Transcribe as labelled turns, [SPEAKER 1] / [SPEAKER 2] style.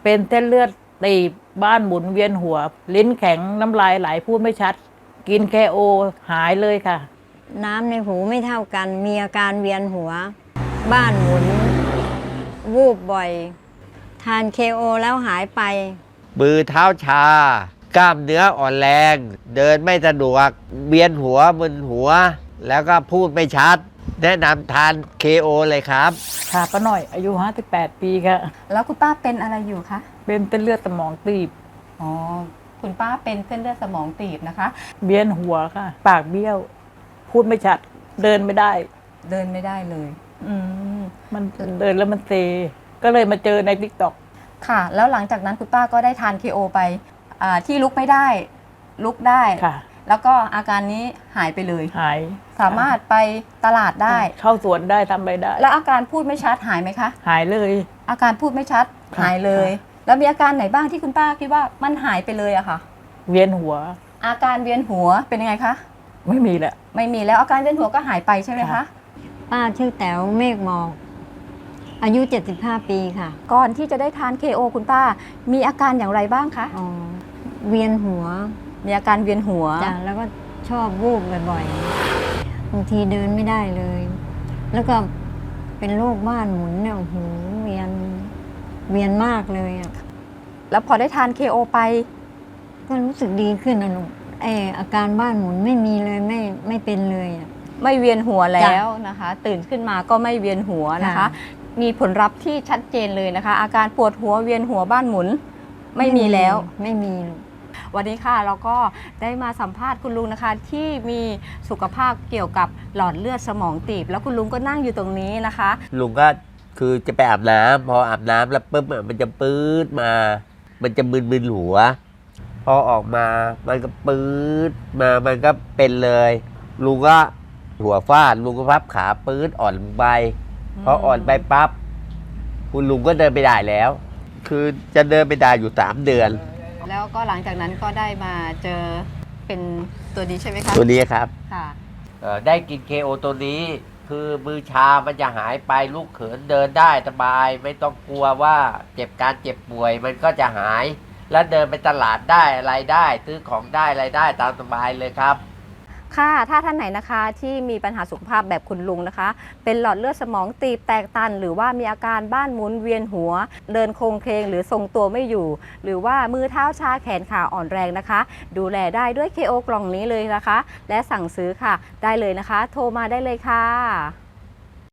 [SPEAKER 1] เป็นเส้นเลือดตีบบ้านหมุนเวียนหัว ลิ้นแข็งน้ำลายไหลพูดไม่ชัด กินKOหายเลยค่ะ
[SPEAKER 2] น้ำในหูไม่เท่ากันมีอาการเวียนหัวบ้านหมุนวูบบ่อยทานKOแล้วหายไป
[SPEAKER 3] มือเท้าชากล้ามเนื้ออ่อนแรง เดินไม่สะดวกเวียนหัวมึนหัว แล้วก็พูดไม่ชัด แนะนำทานKOเลยครับ
[SPEAKER 1] ค่ะป้าหน่อยอายุ58 ปีค่ะ
[SPEAKER 4] แล้วคุณป้าเป็นอะไรอยู่คะ
[SPEAKER 1] เป็นเส้นเลือดสมองตีบ
[SPEAKER 4] อ๋อคุณป้าเป็นเส้นเลือดสมองตีบนะคะ
[SPEAKER 1] เวียนหัวค่ะปากเบี้ยวพูดไม่ชัดเดินไม่ได้
[SPEAKER 4] เดินไม่ได้เลย
[SPEAKER 1] มันเดินแล้วมันเซก็เลยมาเจอในTikTok
[SPEAKER 4] ค่ะแล้วหลังจากนั้นคุณป้าก็ได้ทานKOไปที่ลุกไม่ได้ลุกได้
[SPEAKER 1] ค่ะ
[SPEAKER 4] แล้วก็อาการนี้หายไปเลย
[SPEAKER 1] หาย
[SPEAKER 4] สามารถไปตลาดได้
[SPEAKER 1] เข้าสวนได้ทำไปได้
[SPEAKER 4] แล้วอาการพูดไม่ชัดหายไหมคะ
[SPEAKER 1] หายเลย
[SPEAKER 4] อาการพูดไม่ชัดหายเลยแล้วมีอาการไหนบ้างที่คุณป้าคิดว่ามันหายไปเลยอะค่ะ
[SPEAKER 1] เวียนหัว
[SPEAKER 4] อาการเวียนหัวเป็นยังไงคะ
[SPEAKER 1] ไม่มีแล้ว
[SPEAKER 4] ไม่มีแล้วอาการเวียนหัวก็หายไปใช่ไหมคะ
[SPEAKER 2] ป้าชื่อแต๋วเมฆหมอกอายุ75 ปีค่ะ
[SPEAKER 4] ก่อนที่จะได้ทานKOคุณป้ามีอาการอย่างไรบ้างคะ
[SPEAKER 2] เวียนหัว
[SPEAKER 4] มีอาการเวียนหัว
[SPEAKER 2] จ้ะแล้วก็ชอบวูบบ่อยๆบางทีเดินไม่ได้เลยแล้วก็เป็นโรคบ้านหมุนเนี่ยโอ้โหเวียนมากเลยอ่ะ
[SPEAKER 4] แล้วพอได้ทานKOไป
[SPEAKER 2] ก็รู้สึกดีขึ้นนะลูกอาการบ้านหมุนไม่มีเลยไม่เป็นเลยอ่ะ
[SPEAKER 4] ไม่เวียนหัวแล้วนะคะตื่นขึ้นมาก็ไม่เวียนหัวนะคะมีผลลัพธ์ที่ชัดเจนเลยนะคะอาการปวดหัวเวียนหัวบ้านหมุนไม่มีแล้ว
[SPEAKER 2] ไม่มี
[SPEAKER 4] วันนี้ค่ะเราก็ได้มาสัมภาษณ์คุณลุงนะคะที่มีสุขภาพเกี่ยวกับหลอดเลือดสมองตีบแล้วคุณลุงก็นั่งอยู่ตรงนี้นะคะ
[SPEAKER 3] ลุงก็คือจะไปอาบน้ำพออาบน้ำแล้วปุ๊บมันจะปื๊ดมามันจะมึนๆหัวพอออกมามันก็ปื๊ดมามันก็เป็นเลยลุงก็หัวฟาดลุงก็พับขาปื๊ดอ่อนไปพออ่อนไปปั๊บคุณลุงก็เดินไปได้แล้วคือจะเดินไปได้อยู่3 เดือน
[SPEAKER 4] แล้วก็หลังจากนั้นก็ได้มาเจอเป็นตัวนี้ใช่ไหมคะ
[SPEAKER 3] ตัวนี้ครับ
[SPEAKER 4] ค่ะ
[SPEAKER 3] ได้กินKOตัวนี้คือมือชามันจะหายไปลูกเขินเดินได้สบายไม่ต้องกลัวว่าเจ็บป่วยมันก็จะหายแล้วเดินไปตลาดได้อะไรได้ซื้อของได้อะไรได้ตามสบายเลยครับ
[SPEAKER 4] ค่ะถ้าท่านไหนนะคะที่มีปัญหาสุขภาพแบบคุณลุงนะคะเป็นหลอดเลือดสมองตีบแตกตันหรือว่ามีอาการบ้านหมุนเวียนหัวเดินโคลงเคลงหรือทรงตัวไม่อยู่หรือว่ามือเท้าชาแขนขาอ่อนแรงนะคะดูแลได้ด้วยKOกล่องนี้เลยนะคะและสั่งซื้อค่ะได้เลยนะคะโทรมาได้เลยค่ะ